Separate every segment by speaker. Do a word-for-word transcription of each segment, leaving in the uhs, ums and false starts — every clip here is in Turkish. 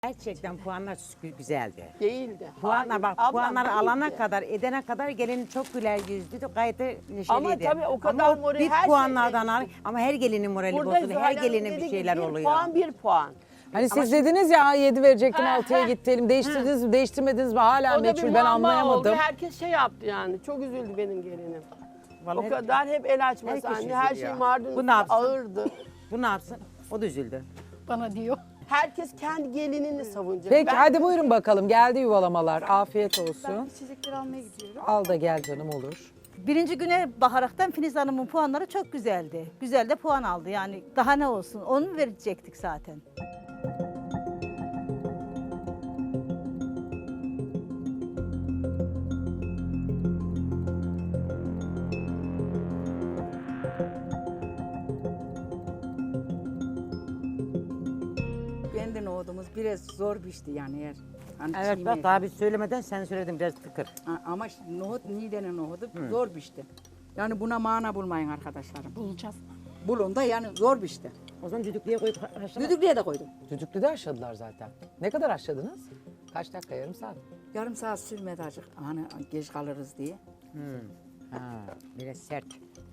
Speaker 1: Gerçekten puanlar gü- güzeldi.
Speaker 2: Değildi.
Speaker 1: Puanlar
Speaker 2: Hayır,
Speaker 1: bak
Speaker 2: ablam
Speaker 1: puanları
Speaker 2: değildi.
Speaker 1: alana kadar edene kadar gelin çok güler yüzlüydü gayet de neşeliydi.
Speaker 2: Ama tabii o kadar
Speaker 1: Ama
Speaker 2: moral-
Speaker 1: bir
Speaker 2: her şey-
Speaker 1: puanlardan al ama her gelinin morali
Speaker 2: Burada
Speaker 1: bozuldu. Her
Speaker 2: Zuhal Hanım
Speaker 1: gelinin
Speaker 2: dedi
Speaker 1: bir
Speaker 2: ki,
Speaker 1: şeyler
Speaker 2: bir
Speaker 1: oluyor.
Speaker 2: puan bir puan.
Speaker 3: Hani siz dediniz ya yedi verecektim
Speaker 2: Ha,
Speaker 3: altıya
Speaker 2: ha.
Speaker 3: gidelim. Değiştirdiniz mi değiştirmediniz mi hala
Speaker 2: O da bir
Speaker 3: meçhul ben
Speaker 2: muamma
Speaker 3: anlayamadım.
Speaker 2: oldu. Herkes şey yaptı yani. Çok üzüldü benim gelinim.
Speaker 1: Vallahi
Speaker 2: O kadar hep el açması
Speaker 1: herkes
Speaker 2: anne. Her
Speaker 1: üzülüyor.
Speaker 2: şey mardin
Speaker 1: Bu ne yapsın?
Speaker 2: ağırdı.
Speaker 1: Bu ne yapsın? O da üzüldü.
Speaker 4: Bana diyor.
Speaker 2: Herkes kendi gelinini savunacak.
Speaker 3: Peki
Speaker 2: Ben-
Speaker 3: hadi buyurun bakalım geldi yuvalamalar. Afiyet olsun.
Speaker 5: Ben içecekleri almaya gidiyorum.
Speaker 3: Al da gel canım olur.
Speaker 4: Birinci güne bakaraktan Filiz Hanım'ın puanları çok güzeldi. Güzel de puan aldı yani. Daha ne olsun onu verecektik zaten.
Speaker 6: Kendi nohudumuz biraz zor pişti yani eğer. Hani
Speaker 1: Evet
Speaker 6: çiğ
Speaker 1: bak
Speaker 6: mi?
Speaker 1: daha biz söylemeden sen söyledin biraz tıkır.
Speaker 6: Ha, ama şimdi nohut Niğde'nin nohudu zor pişti. Yani buna mana bulmayın arkadaşlarım.
Speaker 4: Bulacağız.
Speaker 6: Bulun da yani zor pişti.
Speaker 1: O zaman düdüklüye koyup haşlama.
Speaker 6: Düdüklüye de koydum.
Speaker 3: Düdüklüde haşladılar zaten. Ne kadar haşladınız? Kaç dakika yarım saat?
Speaker 6: Yarım saat sürmedi acık. Hani geç kalırız diye.
Speaker 1: Ha, biraz sert.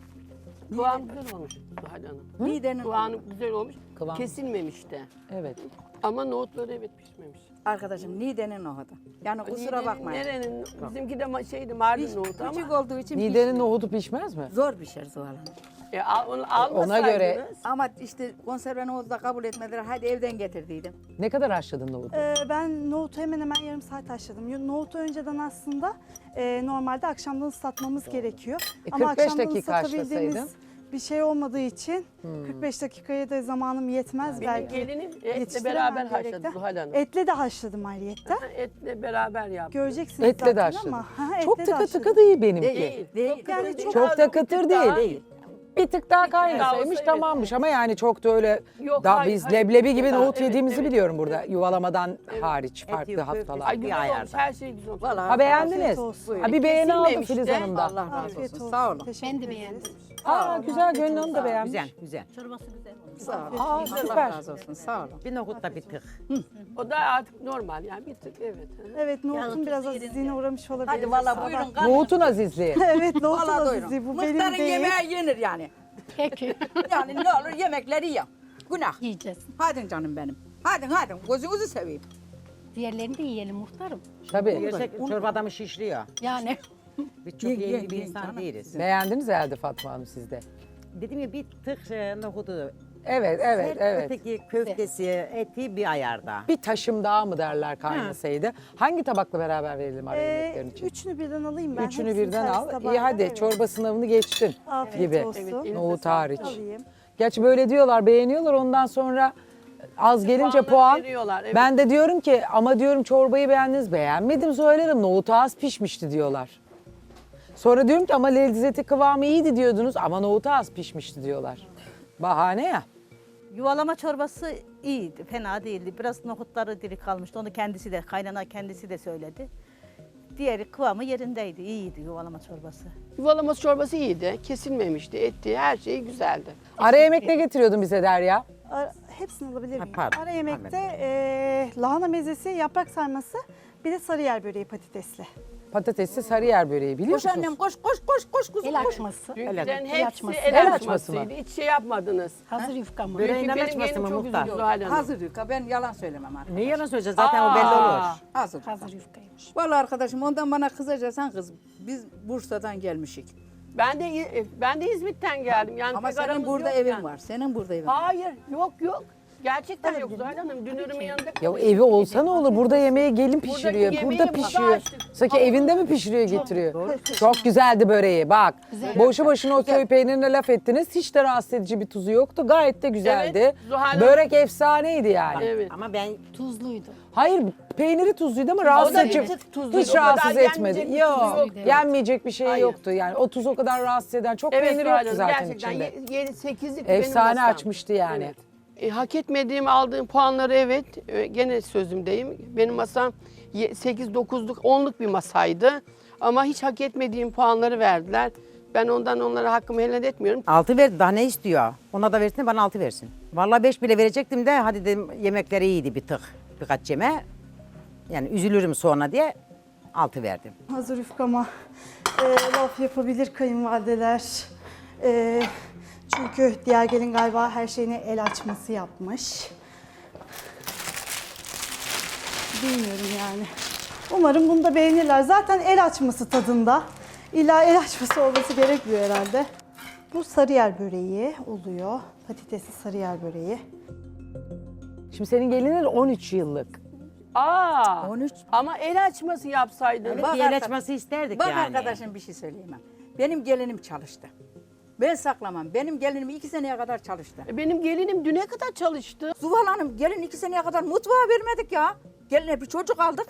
Speaker 2: Kıvam güzel olmuş Zuhal Hanım.
Speaker 6: Niğde'nin
Speaker 2: Kıvamı güzel olmuş.
Speaker 3: Kıvam.
Speaker 2: Kesilmemiş de.
Speaker 3: Evet.
Speaker 2: Ama nohutları evet pişmemiş.
Speaker 6: arkadaşım Niğde'nin nohudu. Yani kusura
Speaker 2: Niğde'nin,
Speaker 6: bakmayın.
Speaker 2: Nerenin? Bizimki de ma- şeydi Mardin
Speaker 6: Piş-
Speaker 2: nohutu ama.
Speaker 6: küçük olduğu için
Speaker 3: Niğde'nin
Speaker 6: pişti.
Speaker 3: nohudu pişmez mi?
Speaker 6: Zor pişer Zuhal Hanım.
Speaker 2: E, al, onu
Speaker 3: Ona
Speaker 2: almasaydınız.
Speaker 3: göre-
Speaker 6: Ama işte konserve nohudu da kabul etmediler. Hadi evden getirdiydim.
Speaker 3: Ne kadar haşladın nohudu?
Speaker 5: Ee, ben nohutu hemen hemen yarım saat haşladım. Nohutu önceden aslında e, normalde akşamdan ıslatmamız gerekiyor.
Speaker 3: E,
Speaker 5: Ama
Speaker 3: kırk beş
Speaker 5: akşamdan
Speaker 3: dakika
Speaker 5: ıslatabildiğimiz
Speaker 3: haşlasaydın.
Speaker 5: bir şey olmadığı için kırk beş dakikaya da zamanım yetmez
Speaker 2: Benim
Speaker 5: belki.
Speaker 2: gelinim etle
Speaker 5: Yetiştiremem
Speaker 2: beraber
Speaker 5: gerekti.
Speaker 2: haşladı Zuhal Hanım.
Speaker 5: Etle de haşladım ayrıyetten.
Speaker 2: Ha, Etle beraber yaptı.
Speaker 5: Göreceksiniz
Speaker 3: Etle de
Speaker 5: zaten
Speaker 3: haşladın.
Speaker 5: ama. Ha,
Speaker 3: Çok
Speaker 5: etle de
Speaker 3: tıkı tıkı
Speaker 5: haşladım.
Speaker 3: değil benimki.
Speaker 2: Değil.
Speaker 6: Değil.
Speaker 5: Yani
Speaker 2: kıtır
Speaker 5: çok-
Speaker 2: değil.
Speaker 3: Çok da
Speaker 2: Bir tık
Speaker 3: kıtır
Speaker 2: daha-
Speaker 3: değil. Bir tık daha kaynasaymış
Speaker 2: olsa evet.
Speaker 3: tamammış ama yani çok da öyle
Speaker 2: Yok,
Speaker 3: daha
Speaker 2: hayır,
Speaker 3: biz
Speaker 2: hayır.
Speaker 3: leblebi gibi
Speaker 2: Daha-
Speaker 3: nohut
Speaker 2: evet,
Speaker 3: yediğimizi
Speaker 2: evet.
Speaker 3: biliyorum burada yuvalamadan hariç farklı
Speaker 1: yok,
Speaker 3: haftalar.
Speaker 2: Ay
Speaker 1: Bir
Speaker 2: güzel olmuş.
Speaker 1: ayarda.
Speaker 2: Her şey güzel olmuş.
Speaker 6: Vallahi
Speaker 3: Ha beğendiniz.
Speaker 5: Afiyet olsun.
Speaker 3: Ha bir beğeni aldı
Speaker 2: Kesilmemiş
Speaker 3: Filiz
Speaker 2: de.
Speaker 3: Hanım da.
Speaker 6: Allah razı
Speaker 5: Afiyet
Speaker 6: olsun.
Speaker 5: olsun.
Speaker 6: Sağ olun.
Speaker 5: Teşekkür
Speaker 4: Ben de
Speaker 5: ederiz.
Speaker 4: beğendim.
Speaker 3: Aa güzel Gönül Hanım da beğenmiş.
Speaker 1: Güzel güzel.
Speaker 4: Çorbası güzel olmuş.
Speaker 6: Sağ olun.
Speaker 3: Aa
Speaker 6: Allah
Speaker 3: süper.
Speaker 6: razı olsun. Sağ olun.
Speaker 1: Bir nohut da bir tık.
Speaker 2: O da artık normal yani bir tık evet.
Speaker 5: Evet nohutun biraz azizliğine uğramış olabilir.
Speaker 6: Hadi valla buyurun. kalın.
Speaker 3: Nohutun azizliği.
Speaker 5: Evet nohutun
Speaker 6: Valla
Speaker 5: azizliği
Speaker 6: doyurun.
Speaker 5: bu benim
Speaker 6: Muhtarın
Speaker 5: değil.
Speaker 6: yemeği yenir yani.
Speaker 4: Peki.
Speaker 6: Yani ne olur yemekleri ye. Günah.
Speaker 4: Yiyeceğiz.
Speaker 6: Hadi canım benim. Hadi hadi gözünüzü seveyim.
Speaker 4: Diğerlerini de yiyelim muhtarım.
Speaker 3: Tabii.
Speaker 1: Gerçek çorba adamı şişliyor.
Speaker 4: Yani.
Speaker 1: Biz çok
Speaker 6: Ye, ye,
Speaker 1: yeni bir
Speaker 6: ye
Speaker 1: insan
Speaker 6: canım.
Speaker 1: değiliz.
Speaker 3: Beğendiniz herhalde Fatma Hanım sizde.
Speaker 1: Dedim ya bir tık e, nohudu.
Speaker 3: Evet evet
Speaker 1: Sert,
Speaker 3: evet.
Speaker 1: Öteki köftesi, eti bir ayarda.
Speaker 3: Bir taşım daha mı derler kaynasaydı. Hangi tabakla beraber verelim ara
Speaker 5: Ee,
Speaker 3: yemeklerin için?
Speaker 5: üçünü birden alayım ben.
Speaker 3: Üçünü
Speaker 5: Hepsini
Speaker 3: birden
Speaker 5: servis
Speaker 3: al. İyi
Speaker 5: tabağıyla,
Speaker 3: hadi
Speaker 5: evet.
Speaker 3: çorba sınavını geçtin
Speaker 5: Afiyet
Speaker 3: gibi.
Speaker 5: olsun.
Speaker 2: Evet,
Speaker 3: Nohut hariç.
Speaker 5: Alayım.
Speaker 3: Gerçi böyle diyorlar beğeniyorlar ondan sonra az gelince
Speaker 2: Puanları
Speaker 3: puan.
Speaker 2: veriyorlar, evet.
Speaker 3: Ben de diyorum ki ama diyorum çorbayı beğendiniz beğenmedim söylerim nohut az pişmişti diyorlar. Sonra diyorum ki ama lezzeti kıvamı iyiydi diyordunuz ama nohut az pişmişti diyorlar. Bahane ya.
Speaker 4: Yuvalama çorbası iyiydi, fena değildi. Biraz nohutları diri kalmıştı. Onu kendisi de, kaynana kendisi de söyledi. Diğeri kıvamı yerindeydi, iyiydi yuvalama çorbası.
Speaker 2: Yuvalaması çorbası iyiydi. Kesilmemişti. Etti. Her şey güzeldi.
Speaker 3: Ara yemek ne getiriyordun bize Derya?
Speaker 5: Ara- hepsini alabilir
Speaker 1: Ha,
Speaker 5: miyim?
Speaker 1: pardon,
Speaker 5: Ara yemekte eee, lahana mezesi, yaprak sarması, bir de sarıyer böreği patatesli.
Speaker 3: Patatesli sarıyer böreği biliyor
Speaker 6: Koş
Speaker 3: musunuz?
Speaker 6: annem koş koş koş koş kuzum.
Speaker 4: El
Speaker 6: koş.
Speaker 4: açması.
Speaker 2: Dünküden
Speaker 1: El
Speaker 2: hepsi
Speaker 4: açması.
Speaker 2: el,
Speaker 3: El açması mı?
Speaker 2: açmasıydı. Hiç şey yapmadınız.
Speaker 4: Hazır yufka mı?
Speaker 1: Böreğin
Speaker 2: Çünkü
Speaker 1: el
Speaker 2: benim
Speaker 1: açması
Speaker 2: gelinim
Speaker 1: mı
Speaker 2: çok
Speaker 1: muhtar?
Speaker 2: üzüldü Zuhal Hanım.
Speaker 6: Hazır yufka ben yalan söylemem artık.
Speaker 1: Ne yalan söyleyeceğiz zaten o belli
Speaker 2: Aa.
Speaker 1: olur.
Speaker 6: Hazır.
Speaker 4: Hazır yufkaymış.
Speaker 6: Vallahi arkadaşım ondan bana kızacaksan kız. Biz Bursa'dan gelmişik.
Speaker 2: Ben de ben de İzmit'ten geldim. Yani
Speaker 6: Ama
Speaker 2: pek
Speaker 6: senin
Speaker 2: aramız
Speaker 6: burada
Speaker 2: yok
Speaker 6: evin
Speaker 2: yani.
Speaker 6: var. Senin burada evin var.
Speaker 2: Hayır, yok yok. Gerçekten yok Zuhal Hanım. Dünürümün yanında
Speaker 3: Ya
Speaker 2: kalıyor.
Speaker 3: evi olsa ne olur? Burada yemeğe gelin pişiriyor.
Speaker 2: yemeği
Speaker 3: Burada
Speaker 2: burada
Speaker 3: pişiyor.
Speaker 2: açtık.
Speaker 3: Sanki evinde mi pişiriyor getiriyor? Çok güzeldi böreği bak. Boşu boşuna o köy peynirine laf ettiniz. Hiç de rahatsız edici bir tuzu yoktu. Gayet de güzeldi.
Speaker 2: Evet, Zuhal Hanım-
Speaker 3: Börek efsaneydi yani.
Speaker 2: Evet.
Speaker 1: Ama ben
Speaker 4: Tuzluydu.
Speaker 3: Hayır peyniri tuzluydu ama rahatsız
Speaker 2: da
Speaker 3: edici.
Speaker 2: bir tık tuzluydu.
Speaker 3: Hiç
Speaker 2: O kadar
Speaker 3: rahatsız
Speaker 2: yenmeyecek
Speaker 3: etmedi.
Speaker 2: bir tuzu
Speaker 3: Yok.
Speaker 2: yoktu.
Speaker 3: Yenmeyecek bir şey
Speaker 2: Hayır.
Speaker 3: yoktu yani. O tuz o kadar rahatsız eden. Çok
Speaker 2: Evet
Speaker 3: peynir
Speaker 2: Zuhal
Speaker 3: yoktu
Speaker 2: Hanım,
Speaker 3: zaten
Speaker 2: gerçekten
Speaker 3: içinde.
Speaker 2: yedi sekizlik
Speaker 3: Efsane
Speaker 2: benim masam.
Speaker 3: açmıştı yani.
Speaker 2: Evet. E, hak etmediğim aldığım puanları evet e, gene sözümdeyim. Benim masam sekiz dokuzluk onluk bir masaydı. Ama hiç hak etmediğim puanları verdiler. Ben ondan onlara hakkımı helal etmiyorum.
Speaker 1: altı verdi daha ne istiyor? Ona da versin bana altı versin. Vallahi beş bile verecektim de hadi dedim yemekleri iyiydi bir tık. birkaç yeme. Yani üzülürüm sonra diye altı verdim.
Speaker 5: Hazır yufkama e, laf yapabilir kayınvalideler. E, çünkü diğer gelin galiba her şeyine el açması yapmış. Bilmiyorum yani. Umarım bunu da beğenirler. Zaten el açması tadında. İlla el açması olması gerekmiyor herhalde. Bu sarıyer böreği oluyor. Patatesli sarıyer böreği.
Speaker 3: Şimdi senin gelinin on üç yıllık.
Speaker 2: Aa,
Speaker 6: on üç.
Speaker 2: ama el açması yapsaydın.
Speaker 1: Evet,
Speaker 6: Bak
Speaker 1: bir el
Speaker 6: arkadaş-
Speaker 1: açması isterdik
Speaker 6: Bak
Speaker 1: yani.
Speaker 6: arkadaşım bir şey söyleyeyim ben. Benim gelinim çalıştı. Ben saklamam. Benim gelinim iki seneye kadar çalıştı.
Speaker 2: E, Benim gelinim düne kadar çalıştı.
Speaker 6: Zuhal Hanım gelin iki seneye kadar mutfağa vermedik ya. Geline bir çocuk aldık.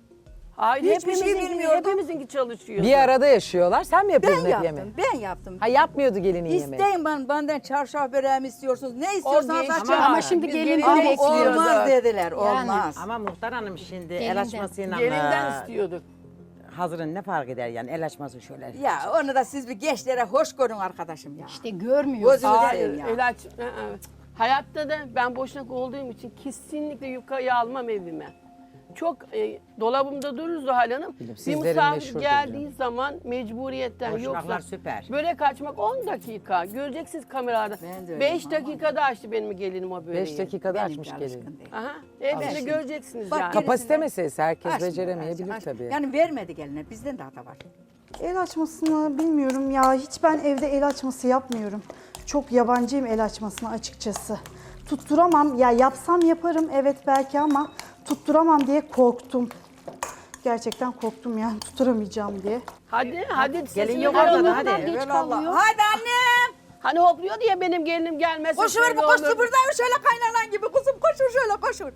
Speaker 2: Hayır,
Speaker 6: Hiçbir şey
Speaker 2: hepimizinki,
Speaker 6: bilmiyordum.
Speaker 2: hepimizinki çalışıyordu.
Speaker 3: Bir arada yaşıyorlar. Sen mi
Speaker 6: Ben
Speaker 3: yapıyordun hep
Speaker 6: yaptım,
Speaker 3: yemeği?
Speaker 6: ben yaptım.
Speaker 3: Ha yapmıyordu gelinin yemeği.
Speaker 6: İsteyin ben, benden çarşaf böreğimi istiyorsunuz. Ne istiyorsanız
Speaker 2: geçti.
Speaker 6: açın.
Speaker 2: Ama- ama
Speaker 7: şimdi
Speaker 2: Biz
Speaker 7: gelin
Speaker 2: gelin
Speaker 6: Ama
Speaker 2: bekliyorduk.
Speaker 6: olmaz dediler,
Speaker 7: Yani.
Speaker 6: olmaz.
Speaker 1: Ama Muhtar Hanım şimdi el
Speaker 7: Gelinden.
Speaker 1: açmasıyla
Speaker 2: Gelinden
Speaker 1: e,
Speaker 2: istiyorduk.
Speaker 1: hazırın ne fark eder yani el açması şöyle.
Speaker 6: Ya onu da siz bir gençlere hoş görün arkadaşım ya.
Speaker 7: İşte görmüyoruz.
Speaker 6: Gözünü
Speaker 2: Hayır,
Speaker 6: seveyim ya.
Speaker 2: el aç. Hı hı. Hayatta da ben boşnak olduğum için kesinlikle yufkayı almam evime. Çok e, dolabımda durur Zuhal Hanım. Bir
Speaker 3: sizlerin
Speaker 2: misafir
Speaker 3: meşhurdur
Speaker 2: geldiği
Speaker 3: canım.
Speaker 2: zaman mecburiyetten
Speaker 1: Boşnaklar
Speaker 2: yoksa
Speaker 1: süper.
Speaker 2: börek açmak on dakika. Göreceksiniz kameralarda.
Speaker 6: Ben de öyleyim
Speaker 2: beş
Speaker 6: ama.
Speaker 2: dakikada açtı benim gelinim o böreği.
Speaker 3: Beş dakikada
Speaker 6: Benimki
Speaker 3: açmış
Speaker 6: alışkın
Speaker 3: gelin.
Speaker 6: değil.
Speaker 2: Aha, hepsini
Speaker 6: Alışkın.
Speaker 2: göreceksiniz
Speaker 6: Bak,
Speaker 2: yani.
Speaker 3: Kapasite meselesi. Herkes
Speaker 6: Açmıyor,
Speaker 3: beceremeyebilir
Speaker 6: aç- aç-
Speaker 3: tabii.
Speaker 6: Yani vermedi geline, bizden de hata var.
Speaker 5: El açmasını bilmiyorum ya. Hiç ben evde el açması yapmıyorum. Çok yabancıyım el açmasına açıkçası. Tutturamam. Ya yapsam yaparım evet belki ama tutturamam diye korktum. Gerçekten korktum yani tutturamayacağım diye.
Speaker 2: Hadi hadi.
Speaker 1: Gelin
Speaker 2: sesini
Speaker 1: yok
Speaker 2: duyalım.
Speaker 1: orada da hadi.
Speaker 7: Geç
Speaker 6: Evelallah.
Speaker 7: kalıyor.
Speaker 6: Hadi annem.
Speaker 2: Hani hopluyor diye benim gelinim gelmesin.
Speaker 6: Koşuver
Speaker 2: şöyle
Speaker 6: bu koştu
Speaker 2: olur.
Speaker 6: buradan şöyle kaynanan gibi kuzum koşur şöyle koşur.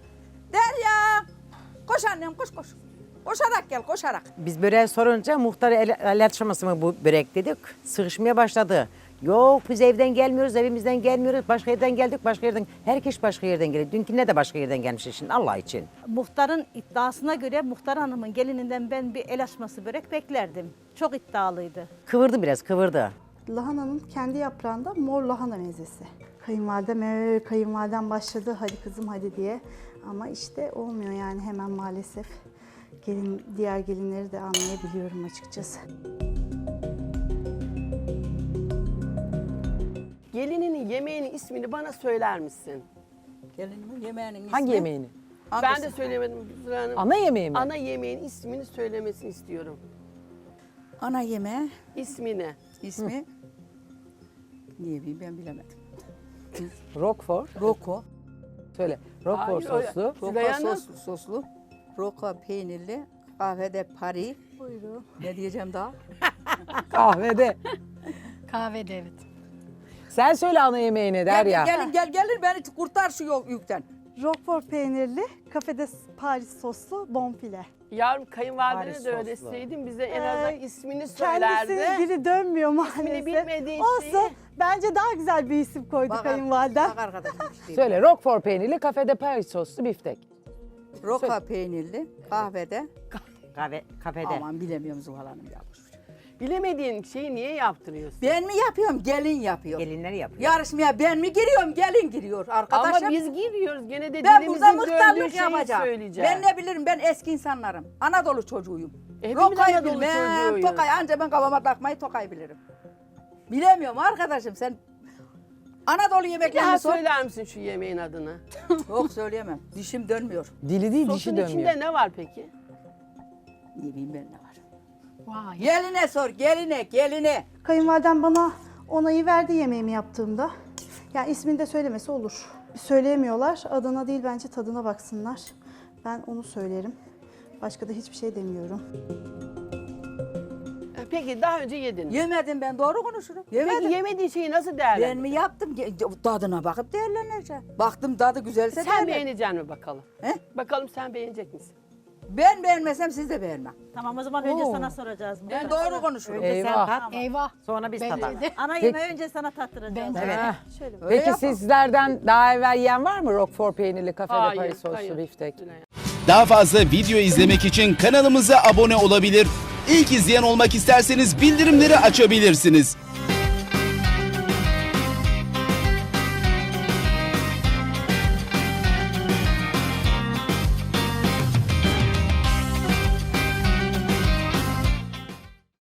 Speaker 6: Derya. Koş annem koş koş. Koşarak gel koşarak.
Speaker 1: Biz böreği sorunca muhtar el, el açması mı bu börek dedik. Sıkışmaya başladı. Yok biz evden gelmiyoruz, evimizden gelmiyoruz. Başka yerden geldik, başka yerden. Herkes başka yerden geliyor. Dünküne de başka yerden gelmiş şimdi Allah için.
Speaker 4: Muhtarın iddiasına göre Muhtar Hanım'ın gelininden ben bir el açması börek beklerdim. Çok iddialıydı.
Speaker 1: Kıvırdı biraz, kıvırdı.
Speaker 5: Lahananın kendi yaprağında mor lahana mezesi. Kayınvalidem, ee, kayınvalidem başladı hadi kızım hadi diye. Ama işte olmuyor yani hemen maalesef. Gelin, diğer gelinleri de anlayabiliyorum açıkçası.
Speaker 2: Gelininin yemeğinin ismini bana söyler misin?
Speaker 6: Gelinimin yemeğinin ismi.
Speaker 3: Hangi yemeğini?
Speaker 2: Ben de söylemedim Zühre Hanım.
Speaker 3: Ana yemeği mi?
Speaker 2: Ana yemeğin ismini söylemesini istiyorum.
Speaker 6: Ana yemeği
Speaker 2: İsmini.
Speaker 6: ismi. Niye bileyim ben bilemedim.
Speaker 3: Roquefort.
Speaker 6: Roko.
Speaker 3: Söyle. Roquefort
Speaker 2: Hayır,
Speaker 3: soslu.
Speaker 6: Roko
Speaker 2: Züleyha Hanım.
Speaker 6: soslu, soslu. Roko peynirli. Kahvede Paris. Buyurun. Ne diyeceğim daha?
Speaker 3: Kahvede.
Speaker 7: Kahvede evet.
Speaker 3: Sen söyle ana yemeğine Derya.
Speaker 6: Gel, gelin gel gelin beni kurtar şu yol yükten.
Speaker 5: Roquefort peynirli, kafede Paris soslu bonfile.
Speaker 2: Yavrum kayınvalidene
Speaker 1: Paris
Speaker 2: de öyle
Speaker 1: soslu.
Speaker 2: deseydin bize en
Speaker 5: Ee,
Speaker 2: azından ismini
Speaker 5: Kendisi
Speaker 2: söylerdi.
Speaker 5: dili dönmüyor maalesef.
Speaker 2: bilmediği
Speaker 5: Olsun.
Speaker 2: şeyi-
Speaker 5: Bence daha güzel bir isim koydu
Speaker 6: Bak,
Speaker 5: kayınvalidem.
Speaker 6: Bak arkadaşım işte.
Speaker 3: Söyle Roquefort peynirli kafede Paris soslu biftek.
Speaker 6: Roka peynirli kahvede.
Speaker 1: Kahve, kafede.
Speaker 6: Aman bilemiyorum Zuhal Hanım ya.
Speaker 2: Bilemediğin şeyi niye yaptırıyorsun?
Speaker 6: Ben mi yapıyorum gelin yapıyor.
Speaker 1: Gelinleri yapıyor.
Speaker 6: Yarışmaya ben mi giriyorum gelin giriyor arkadaşım.
Speaker 2: Ama biz giriyoruz gene de
Speaker 6: ben
Speaker 2: dilimizin
Speaker 6: burada
Speaker 2: döndüğü
Speaker 6: muhtarlık
Speaker 2: şeyi
Speaker 6: yapacağım.
Speaker 2: söyleyeceğim.
Speaker 6: Ben ne bilirim ben eski insanlarım. Anadolu çocuğuyum.
Speaker 2: E, hepimiz
Speaker 6: Rokayı
Speaker 2: Anadolu
Speaker 6: bilmem,
Speaker 2: çocuğuyuz.
Speaker 6: Tokay anca ben kafama takmayı Tokay bilirim. Bilemiyorum arkadaşım sen Anadolu
Speaker 2: Bir
Speaker 6: yemeklerini
Speaker 2: daha
Speaker 6: sor.
Speaker 2: söyler misin şu yemeğin adını?
Speaker 6: Yok söyleyemem. Dişim dönmüyor.
Speaker 3: Dili değil dişi
Speaker 2: Sosun
Speaker 3: dönmüyor.
Speaker 2: içinde ne var peki?
Speaker 6: Ne bileyim ben ne var.
Speaker 7: Vay.
Speaker 6: Geline sor geline geline.
Speaker 5: Kayınvalidem bana onayı verdi yemeğimi yaptığımda. Yani ismini de söylemesi olur. Söyleyemiyorlar. Adına değil bence tadına baksınlar. Ben onu söylerim. Başka da hiçbir şey demiyorum.
Speaker 2: E, Peki daha önce yedin. mi?
Speaker 6: Yemedim ben doğru konuşurum. Yemedim.
Speaker 2: Peki yemediğin şeyi nasıl
Speaker 6: Ben
Speaker 2: değerlendirdin?
Speaker 6: mi yaptım? Ge- Tadına bakıp değerleneceğim. Baktım tadı güzelse
Speaker 2: Sen
Speaker 6: değerlen-
Speaker 2: beğenecek mi bakalım?
Speaker 6: He?
Speaker 2: Bakalım sen beğenecek misin?
Speaker 6: Ben beğenmesem siz de beğenmem.
Speaker 4: Tamam o zaman önce
Speaker 3: Oo.
Speaker 4: sana soracağız.
Speaker 6: Ben
Speaker 4: Muhtar.
Speaker 6: doğru konuşurum.
Speaker 1: Önce sen
Speaker 3: Eyvah.
Speaker 1: tat,
Speaker 7: Eyvah.
Speaker 1: sonra biz
Speaker 7: Bence
Speaker 1: tadalım.
Speaker 7: de.
Speaker 4: Ana yemeği önce sana tattıracağız.
Speaker 7: Bence
Speaker 1: Evet.
Speaker 3: Heh.
Speaker 5: Şöyle
Speaker 6: Öyle
Speaker 3: Peki
Speaker 6: yapalım.
Speaker 3: sizlerden daha evvel yiyen var mı Roquefort peynirli kafede
Speaker 2: Hayır,
Speaker 3: Paris soslu
Speaker 2: hayır.
Speaker 3: biftek?
Speaker 2: Züleyha.
Speaker 8: Daha fazla video izlemek için kanalımıza abone olabilir. İlk izleyen olmak isterseniz bildirimleri açabilirsiniz.